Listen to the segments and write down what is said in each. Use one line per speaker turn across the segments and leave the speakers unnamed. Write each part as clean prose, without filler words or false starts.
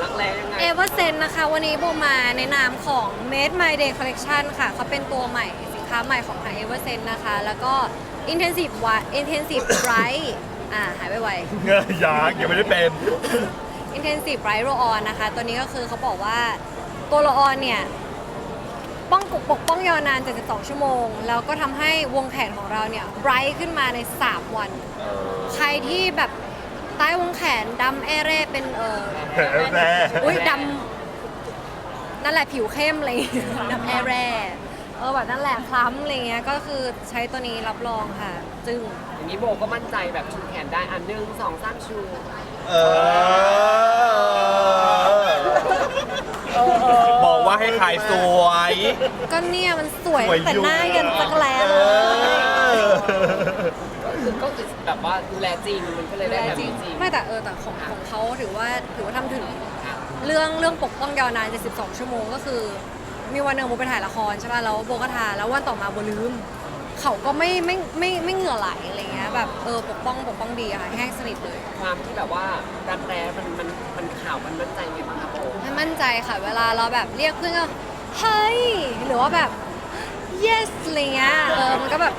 กแรงยังไง
เอเวอร์เซนนะคะวันนี้โบมาในนามของ Made My Day Collection ค่ะเขาเป็นตัวใหม่สินค้าใหม่ของทางเอเวอร์เซนนะคะแล้วก็ Intensive Bright หายไปไว
เงยยังไม่ได้เป็น
Intensive Bright Roll On นะคะตัวนี้ก็คือเขาบอกว่าตัว Roll On เนี่ยปกป้องยาวนาน 72 ชั่วโมง แล้วก็ทำให้วงแขนของเราเนี่ย bright ขึ้นมาใน 3 วัน ใครที่แบบใต้วงแขนดำแอเร่เป็น
แร่
อุ้ยดำนั่นแหละผิวเข้มอะไรอย่างเงี้ยดำแอแร่แบบนั่นแหละคล้ำอะไรเงี้ยก็คือใช้ตัวนี้รับรองค่ะจึง
อย่างนี้โบก็มั่นใจแบบชูแขนได้อันหนึ่งสองสามชู
เอบอกว่าให้ขายสวย
ก็เนี่ยมันสวย
สวย
แต่หน้ายันจักรแล้เลย
ก็คือแบบว่าดูแลจริงมันก็เลยได้แบบนี้จริง
ไม่แต่แต่ของเขาถือว่าทำถึงเรื่องปกป้องยาวนาน72 ชั่วโมงก็คือมีวันหนึ่งโบไปถ่ายละครใช่ป่ะแล้วโบก็ทาแล้ววันต่อมาโบลืมเขาก็ไม่เหงื่อไหลอะไรเงี้ยแบบปกป้องดีอะค่ะแห้งสนิทเลย
ความที่แบบว่ารักแร้มันข่าวมันมั่นใจไงบ้างครับโบ
ไม่มั่นใจค่ะเวลาเราแบบเรียกเพื่อนก็เฮ้ยหรือว่าแบบ yes อะไรเงี้ยมันก็แบบ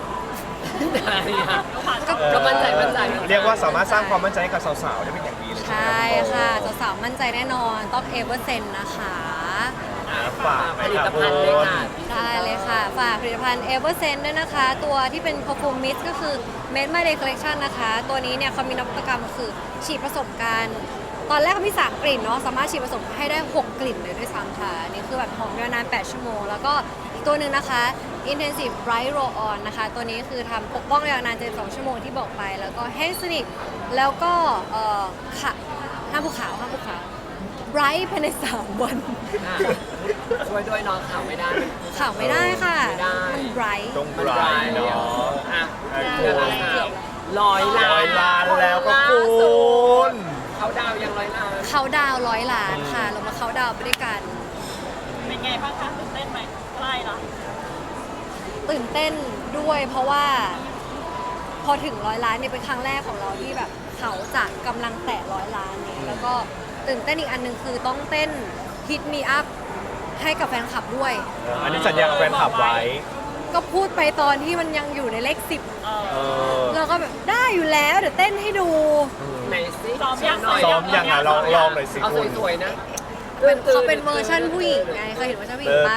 ก็มั่นใจ
เรียกว่าสามารถสร้างความมั่นใจให้กับสาวๆได้เป็นอย่างดีเลย
ใช่ค่ะสาวๆมั่นใจแน่นอนต้องเอเวอร์เซนนะคะ
ฝาก
ผลิตภัณฑ์เลยค่ะ
ได้เลยค่ะ ฝากผลิตภัณฑ์เอเวอร์เซนด้วยนะคะ ตัวที่เป็น Perfume Mist ก็คือ Made My Day Collection นะคะ ตัวนี้เนี่ยเขามีนวัตกรรมคือฉีดผสมกันตอนแรกเขามี 3 กลิ่นเนาะสามารถฉีดผสมให้ได้ 6 กลิ่นเลยด้วยซ้ำค่ะอันนี่คือแบบหอมยาวนาน 8 ชั่วโมง แล้วก็อีกตัวหนึ่งนะคะ Intensive Bright Roll On นะคะ ตัวนี้คือทำปกป้องยาวนาน 72 ชั่วโมงที่บอกไป แล้วก็แห้งสนิทแล้วก็ห้ามภูเขาBright ภายใน 3 วัน
ช่วยด้วยน้องข่าวไม่ได้
ข่าวไม่ได้ค่ะ
ไม่ได้
มัน bright
ตรงไบรท์เนาะ
อ่ะ
เกื
เดื
อ
อน
บ
ละ100 ล้าน
แล้วก็คุณ
เขาดาวยัง100 ล้าน
เขาดาว100 ล้านค่ะ เรามาเขาดาวไปด้วยกัน
เป็นไงบ้างคะตื่นเต้นไหมใกล้ละ
ตื่นเต้นด้วยเพราะว่าพอถึง100 ล้านเนี่ยเป็นครั้งแรกของเราที่แบบเขาจะกำลังแตะ100 ล้านนี้แล้วก็ตื่นเต้นอีกอันหนึ่งคือต้องเต้น Hit Me Up ให้กับแฟนคลับด้วย
อันนี้สัญญากับแฟนคลับไว้
ก็พูดไปตอนที่มันยังอยู่ในเลข 10เราก็แบบได้อยู่แล้วเดี๋ยวเต้นให้ดู
ไหนสิ
ซ้อมยัง
หน่อย
ซ้อมยังอ่ะลองหน่อยสิ
เอา
คุณ
สวยๆนะ
เขาเป็นเวอร์ชันผู้หญิงไงเคยเห็นเวอร์ชันผู้หญิงปะ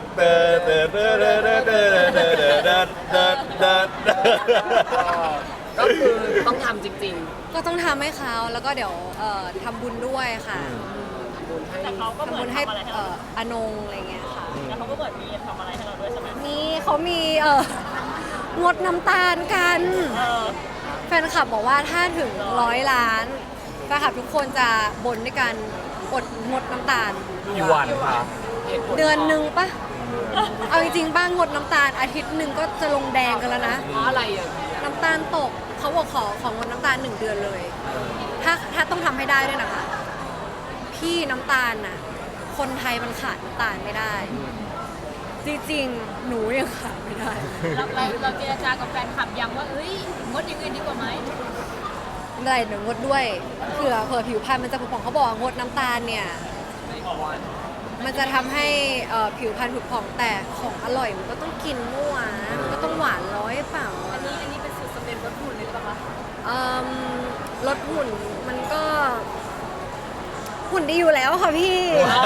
ก็คือต้องทำจริง
ก็ต้องทำให้เขาแล้วก็เดี๋ยวทำบุญด้วยค่ะ
ๆทำบุญให้
แต่เขาก็เห
ทำ
มือ
บุ
น
ญให้
ทำอะไรให้เรา
อนงอะไรเงี้ยค่ะ
แล้วเขาก็เหมือนมีทำอะไรให้เราด้วยใช่ไหม
นี่เขามีงดน้ำตาลกัน
เออ
แฟนคลับบอกว่าถ้าถึง100 ล้านแฟนคลับทุกคนจะบนด้วยกันอดงดน้ำตาล
กี่วันครับ
เหตุผล
เดือนหนึ่งปะเอาจริงๆบ้างงดน้ำตาลอาทิตย์หนึ่งก็จะลงแดงกันแล้วนะ
เพราะอะไรอ่ะ
น้ำตาลตกเขาบอกของงดน้ำตาล1 เดือนเลย ถ้าต้องทำให้ได้ด้วยนะคะ พี่น้ำตาลน่ะ คนไทยมันขาดน้ำตาลไม่ได้ จริงๆ หนูยังขาดไม่ได้
เราเจรจากับแฟนคลับยังว่าเอ้ยงดอย่างอื่นดีกว่าไหม
ได้หนูงดด้วยเผื่อผิวพรรณมันจะผุผ่องเขาบอกว่างดน้ำตาลเนี่ย มันจะทำให้ผิวพรรณผุผ่องแต่ของอร่อยมันก็ต้องกินมั่วนะมันก็ต้องหวานร้อยเปล่า
อันนี้เป็นสูตรสำเร็จลดหุ่นเลยหรือเปล่าคะ
ลดหุ่นมันก็หุ่นดีอยู่แล้วค่ะพี่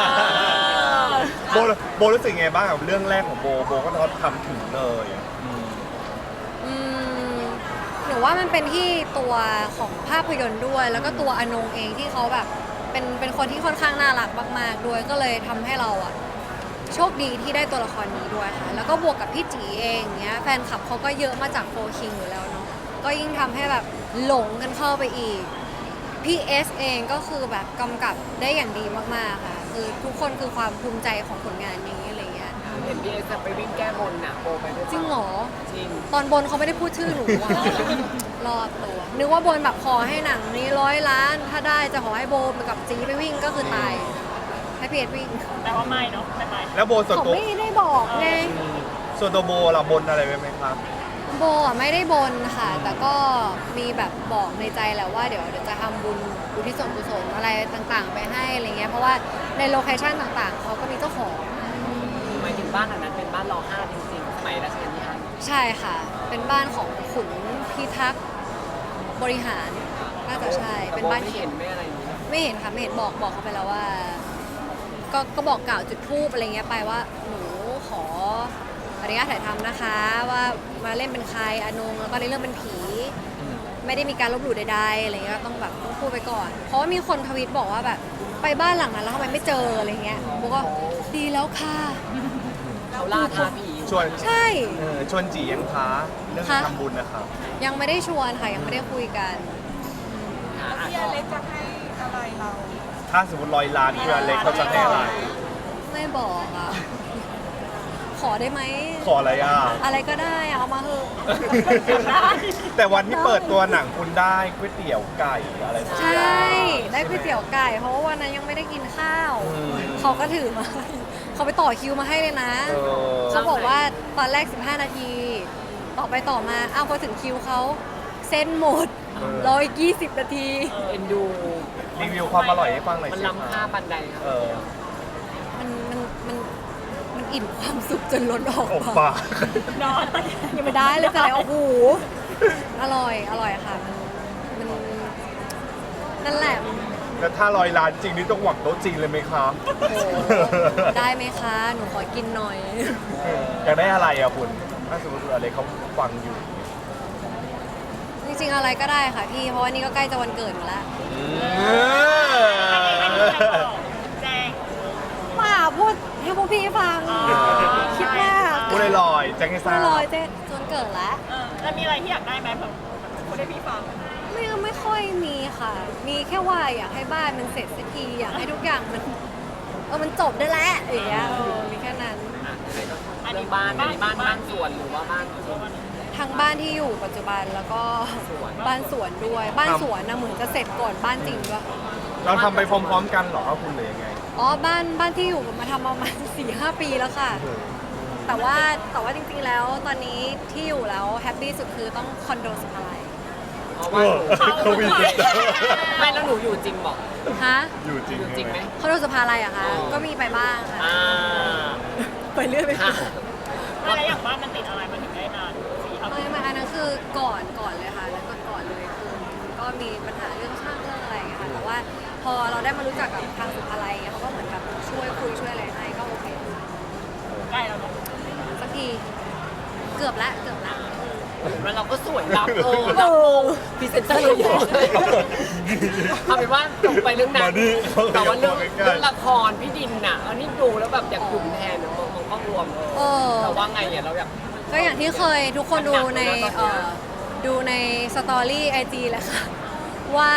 โบรู้สึกไงบ้างกับเรื่องแรกของโบก็ทำถึงเลย
อืมหนูว่ามันเป็นที่ตัวของภาพยนตร์ด้วย แล้วก็ตัวอนงเองที่เขาแบบเป็นคนที่ค่อนข้างน่ารักมากๆด้วยก็เลยทำให้เราอะโชคดีที่ได้ตัวละครนี้ด้วยค่ะ แล้วก็บวกกับพี่จีเองเนี้ยแฟนคลับเขาก็เยอะมาจากโฟคิงอยู่แล้วเนาะก็ยิ่งทำให้แบบหลงกันเข้าไปอีกพี่เอสเองก็คือแบบกำกับได้อย่างดีมากๆค่ะคือทุกคนคือความภูมิใจของผลงานนี้อะไรเงี้ย
เห็นพี่เอจะไปวิ่งแก้บนน่ะโบไปด้วย
จริงเหรอ
จริง
ตอนบนเขาไม่ได้พูดชื่อหนูว่ะ รอดตัวนึกว่าบนแบบขอให้หนังนี้100 ล้าน ถ้าได้จะขอให้โบไปกับจีไปวิ่งก็คือตาย ให้พีเอสวิ่ง
แต่ว่าไม่เนาะไม่ไป
แล้วโบส่วน
เขา
ตัว
ไม่ได้บอกไง
ส่วนตัวโบเราบนอะไรไหมครับ
โบอ่ะไม่ได้บนค่ะ แต่ก็มีแบบบอกในใจแหละว่าเดี๋ยวจะทำบุญอุทิศส่วนกุศลอะไรต่างๆ ไปให้อะไรเงี้ยราะว่าในโลเคชั่นต่างๆเขาก็มีเจ้าของ
หมายถึงบ้านหลังนั้นเป็นบ้านร.5 จริงๆสมัยรัชกาลที่ 5
ใช่ค่ะ เป็นบ้านของขุนพิทักษ์บริหารน่าจะใช่เป็นบ้าน
ไม่
เขี
เห็
ย
น
น
ไม่อะไรอย่างนี้
ไม่เห็นค่ะไม่เห็นบอกเขาไปแล้วว่า ก็บอกกล่าวจุดธูปอะไรเงี้ยไปว่าหนูขออนุญาตถ่ายทำนะคะ ว่ามาเล่นเป็นใครอานงแล้วก็ในเรื่องเป็นผี ไม่ได้มีการลบหลู่ใดๆอะไรเงี้ยต้องแบบต้องพูดไปก่อน เพราะว่ามีคนทวีตบอกว่าแบบไปบ้านหลังนั้นแล้วทำไมไม่เจออะไรเงี้ยบอกว่าดีแล้วค่ะ
เขาล่าท้าผี
ชวน
ใช่
ชวนจียังท้าเรื่อง
ค่ะ
ทำบุญนะครับ
ยังไม่ได้ชวนค่ะยังไม่ได้คุยกัน
พี่อเล็กจะให้อะไรเรา
ถ้าสมมติ100 ล้านพี่อเล็กเขาจะให้อะไร
ไม่บอกอ่ะ ขอได้ไหม
ขออะไรอ่ะ
อะไรก็ได้อะเอามาเถอะ
แต่วันที่เปิดตัวหนังคุณได้ก๋วยเตี๋ยวไก่อะไรสัก
ใช
อย่า
่
ง
ได้ก๋วยเตี๋ยวไก่ เพราะว่าวันนั้นยังไม่ได้กินข้าว
อืม
เขาก็ถือมา เขาไปต่อคิวมาให้เลยนะ
เออ
เขาบอกว่าตอนแรก 15 นาที ต่อไปต่อมา อ้าวพอถึงคิวเขาเส้นหมดรออีก20 นาที
เอ็นดู
รีวิวความอร่อยให้ฟังหน่อย
มัน
สิ
ล้ำค่าปันใดครับ
เออ
มันอิ่มความสุขจนล้นออก
ออก
มา
ปาก
ยังไม่ได้เลยค่ะโอ้โหอร่อยค่ะ มันนั่นแหละ
แล้วถ้า100 ล้านจริงนี่ต้องหวังโต๊ะจีนเลยไหมครับ
ได้ไหมคะ หนูขอกินหน่อย
อยากได้อะไรอ่ะคุณ ถ้าสมมติอะไรเขาฟังอยู่
จริงๆอะไรก็ได้ค่ะพี่ เพราะว่านี่ก็ใกล้จะวันเกิดมาแล้ว
แจ้ง
มาพูดให้พวกพี่ฟัง คิดมาก
พูดลอยๆแจ้งให้ทรา
ไม่
บ
ลอยเจ๊จนเกิดแล้ว
แล้วมีอะไรที่อยากได้ไหมผมพูดให้พี่ฟัง
ไม่ค่อยมีค่ะ มีแค่ว่าอยากให้บ้านมันเสร็จสักที อยากให้ทุกอย่างมันจบได้แล้วอย่างเงี้ยมีแค่นั้น
อันนี้บ้านบ้านสวนหรือว่าบ้านจริง
ทั้งบ้านที่อยู่ปัจจุบันแล้วก็
สวน
บ้านสวนด้วย บ้านสวนนะเหมือนจะเสร็จก่อนบ้านจริงด้วย
เราทำไปพร้อมๆกันเหรอครับคุณหรือยังไง
อ๋อบ้านที่อยู่มาทำประมาณ 4-5 ปีแล้วค่ะ แต่ว่าจริงๆแล้วตอนนี้ที่อยู่แล้วแฮปปี้สุดคือต้องคอนโดสุภาลัย
เพราะว่าหนู
เขาวิน
ไม่แล้วหนูอยู่จริงบอก
ฮะ
อยู่จริง
อยู่จริงไหม
คอนโดสุภาลัยอะคะ ก็มีไปบ้างค่ะ
อ่า
ไปเรื่อยไป
ค่ะ
อะไรอย่างบ้านมันติดอะไรมันถึงได้นาน4-5 ปี
ไม่อันนั้นคือก่อนเลยค่ะแล้วก่อนเลยคือก็มีปัญหาเรื่องช่างเรื่องอะไรอย่างเงี้ยค่ะแต่ว่าพอเราได้มารู้จักกับทางสุภาลัยเขาก็เหมือนกับช่วยคุยช่วยอะไรให้ก็โอเค
ใกล้แล้วเนาะ
สักทีเกือบละ
แล้วเราก็สวยรับรับพรีเซนเตอร์เราเยอะเลยเอาเป็นว่าจบไปเรื่องนั้น
มาดิ
แต่ว่าเรื่อง
ใกล้ๆ
ละครพี่ดินน่ะอันนี้ดูแล้วแบบอยากดุมแทนมองกล้องรวม
เออ
แต่ว่าไงเนี่ยเราอยาก
ก็อย่างที่เคยทุกคนดูในสตอรี่ไอจีแหละค่ะ ว่า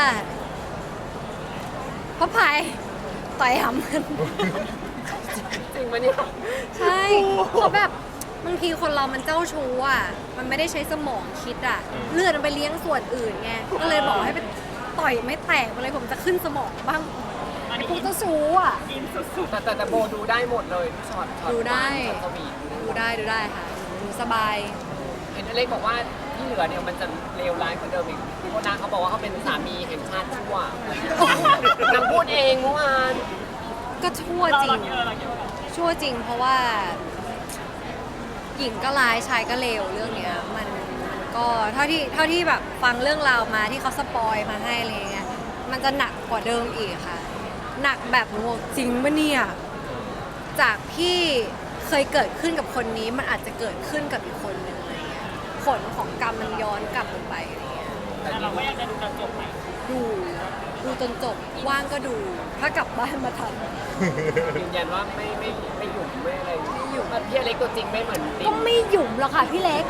พระพายต่อยหำมัน
จริงไหมเนี่ย
ใช่เขาแบบบางทีคนเรามันเจ้าชู้อ่ะ มันไม่ได้ใช้สมองคิดอ่ะ เลือดมันไปเลี้ยงส่วนอื่นไง ก็เลยบอกให้ไปต่อยไม่แตกเลยผมจะขึ้นสมองบ้างไอ้พวกเจ้าชู้อ่ะ
อินสุด
แต่โบดูได้หมดเลยช็อต
ดูได้
ช็อตสวีท
ดูได้ค่ะหนูสบาย
เห็นอเล็กบอกว่าที่เหลือเนี่ยมันจะเลวร้ายกว่าเดิมอีกพี่โบนาเขาบอกว่าเขาเป็นสามีแห่งชาติชั่วนางพูดเองเมื่อวาน
ก็ชั่ว
ๆเรา
จริ
เรา
ง
คิดว่าเราคิดว่า
ชั่วจริงเพราะว่า หญิงก็ร้ายชายก็เลวเรื่องเนี้ยมันก็เท่าที่แบบฟังเรื่องราวมาที่เขาสปอยมาให้อะไรเงี้ยมันจะหนักกว่าเดิมอีกค่ะ หนักแบบโง่จริงปะเนี่ยจากที่เคยเกิดขึ้นกับคนนี้มันอาจจะเกิดขึ้นกับอีกคนนึงอะไรเงี้ยผลของกรรมมันย้อนกลับลงไปอะไรเงี้ย
แต่เราก็ยังจะดูจนจบไหม
ดูจนจบว่างก็ดู ถ้ากลับบ้านมาทัน
ยืนยันว่าไม่หยุ่มไม่อะไรไม่หยุ่มแบบพี่อเล็กตัวจริงไม่เหมือนติ๊
ก็ไม่หยุ่มหรอกค่ะพี่เล็ก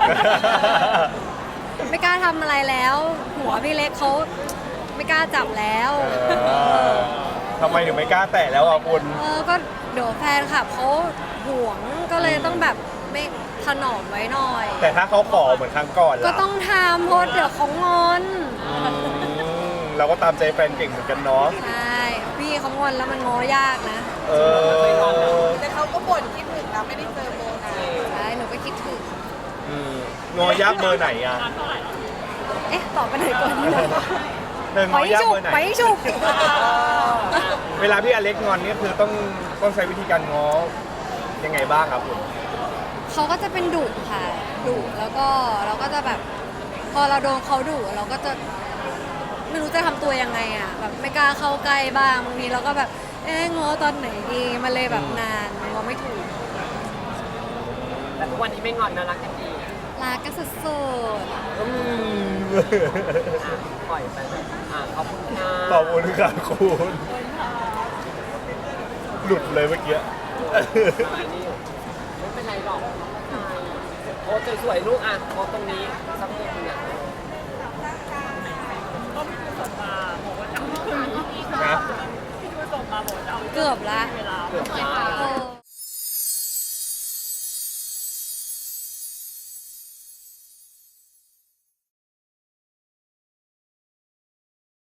ไม่กล้าทำอะไรแล้ว หัวพี่เล็กเขาไม่กล้าจับแล้ว
ทำไมถึงไม่กล้าแตะแล้วอ่ะคุณ
ก็เดี๋ยวแฟนคลับเขาห่วงก็เลยต้องแบบไม่ถนอมไว้หน่อย
แต่ถ้าเขาขอเหมือนครั้งก่อนล่ะ
ก็ต้องทำเพราะเดี๋ยวเขางอน
เราก็ตามใจแฟนเก่งเหมือนกันเนาะ
ใช่พี่เขางอนแล้วมันง้อยากนะ
เออ
แต่เขาก็บ่นคิดถึงนะไม่ได้เจอโบนะ
ใช่หนูก็คิดถึง
งอยักษ์เบอร์ไหนอ่ะ
เอ๊ะตอบไปไหนก่อนดีนะ
เธอง
ไป
อยักษ์
ฉุบ
เบอร์ไหน
ไปฉุบ
เวลาพี่อเล็กงอนนี่คือต้องใช้วิธีการง้อยังไงบ้างครับคุณ
เขาก็จะเป็นดุค่ะดุแล้วก็เราก็จะแบบ พอเราโดนเขาดุเราก็จะไม่รู้จะทำตัวยังไงอ่ะแบบไม่กล้าเข้าใกล้บ้างบางทีเราก็แบบง้อตอนไหนดีมันเลยแบบนานง้อไม่ถูก
แต่ทุกวันนี้ไม่งอนนะรักกันดี
รักกันสุด
อืม
อ่ะปล่อยไปเลยขอบคุณค่ะ
ขอบคุณค่ะคุณหลุดเลยเมื่อกี้
นี่ไม่เป็นไรหรอกโพสสวยๆลูกอ่ะโพสตรงนี้สักนิดนึงอ่ะ
ก็พี่ดูส่งมาบอกว่าจะเอา
นะ
พี่ดูส่งมาบอกว่าจะเอา
ๆเกือบละ
เวลา
เกือบได้
โอ้